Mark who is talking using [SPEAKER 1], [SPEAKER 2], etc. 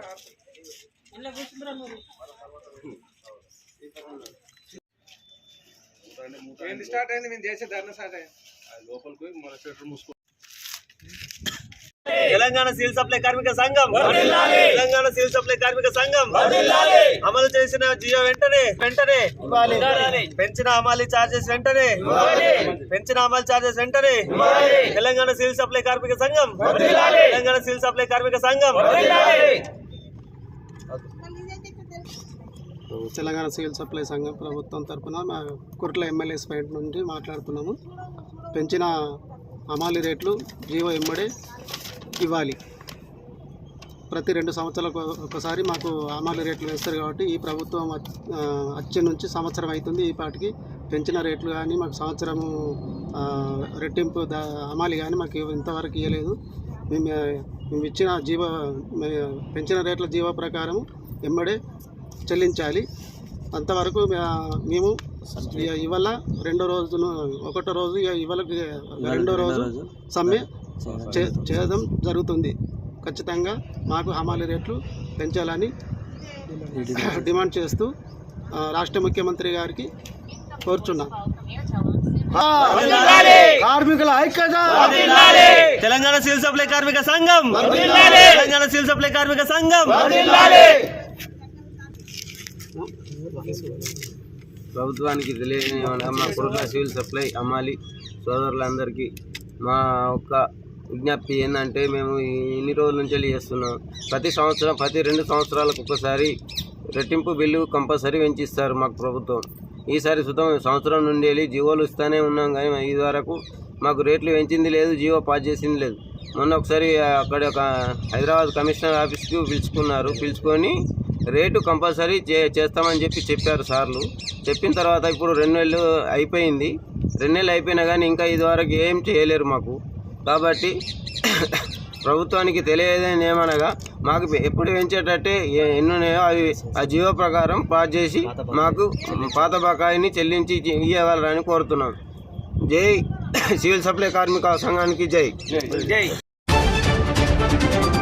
[SPEAKER 1] Start అయింది మేము చేసే ధర్నా స్టార్ట్ అయింది లోపలికి మన షట్టర్ మూసుకో.
[SPEAKER 2] తెలంగాణ సివిల్ సప్లై కార్మిక సంఘం తెలంగాణ సివిల్ సప్లై కార్మిక సంఘం అమలు చేసిన జియో వెంటనే పెంచిన అమలు చార్జెస్ వెంటనే తెలంగాణ సివిల్ సప్లై కార్మిక సంఘం తెలంగాణ సివిల్ సప్లై కార్మిక సంఘం
[SPEAKER 3] తెలంగాణ సివిల్ సప్లై సంఘం ప్రభుత్వం తరఫున మా కుర్ల ఎమ్మెల్యేస్ పాయింట్ నుండి మాట్లాడుతున్నాము. పెంచిన అమాలి రేట్లు జీవో ఎమ్మడే ఇవ్వాలి. ప్రతి 2 సంవత్సరాలకు ఒకసారి మాకు అమాలి రేట్లు వేస్తారు కాబట్టి ఈ ప్రభుత్వం వచ్చే నుంచి సంవత్సరం అవుతుంది. ఈ పాటికి పెంచిన రేట్లు కానీ మాకు సంవత్సరము రెట్టింపు అమాలి కానీ మాకు ఇంతవరకు ఇవ్వలేదు. మేము ఇచ్చిన పెంచిన రేట్ల జీవో ప్రకారం ఎమ్మడే చెల్లించాలి. అంతవరకు మేము ఇవాళ ఒకటో రోజు ఇవాళ రెండో రోజు సమ్మె చేయడం జరుగుతుంది. ఖచ్చితంగా మాకు హమాలి రేట్లు పెంచాలని డిమాండ్ చేస్తూ రాష్ట్ర ముఖ్యమంత్రి గారికి కోరుచున్నాం.
[SPEAKER 2] కార్మికుల ఐక్యత తెలంగాణ సివిల్ సప్లై కార్మిక సంఘం తెలంగాణ సివిల్ సప్లై కార్మిక సంఘం.
[SPEAKER 4] ప్రభుత్వానికి తెలియని మా కుర్ల సివిల్ సప్లై అమ్మాలి సోదరులందరికీ మా ఒక్క విజ్ఞప్తి ఏంటంటే, మేము ఇన్ని రోజుల నుంచి చేస్తున్నాం. ప్రతి 2 సంవత్సరాలకు ఒకసారి రెట్టింపు బిల్లు కంపల్సరీ పెంచిస్తారు మాకు ప్రభుత్వం. ఈసారి సంవత్సరం నుండి వెళ్ళి జీవోలు ఇస్తూనే ఉన్నాం, కానీ ఇది వరకు మాకు రేట్లు పెంచింది లేదు, జీవో పాస్ చేసింది లేదు. మొన్న ఒకసారి అక్కడ ఒక హైదరాబాద్ కమిషనర్ ఆఫీస్కి పిలుచుకొని రేటు కంపల్సరీ చేస్తామని చెప్పారు సార్లు. చెప్పిన తర్వాత ఇప్పుడు 2 నెలలు అయిపోయింది. 2 నెలలు అయిపోయినా కానీ ఇంకా ఇదివరకు ఏం చేయలేరు మాకు. కాబట్టి ప్రభుత్వానికి తెలియదని ఏమనగా మాకు ఎప్పుడు పెంచేటట్టే ఎన్నున్నాయో అవి ఆ జీవో ప్రకారం పాస్ చేసి మాకు పాత బకాయిని చెల్లించి ఇవ్వగలరని కోరుతున్నాం. జై సివిల్ సప్లై కార్మిక సంఘానికి జై.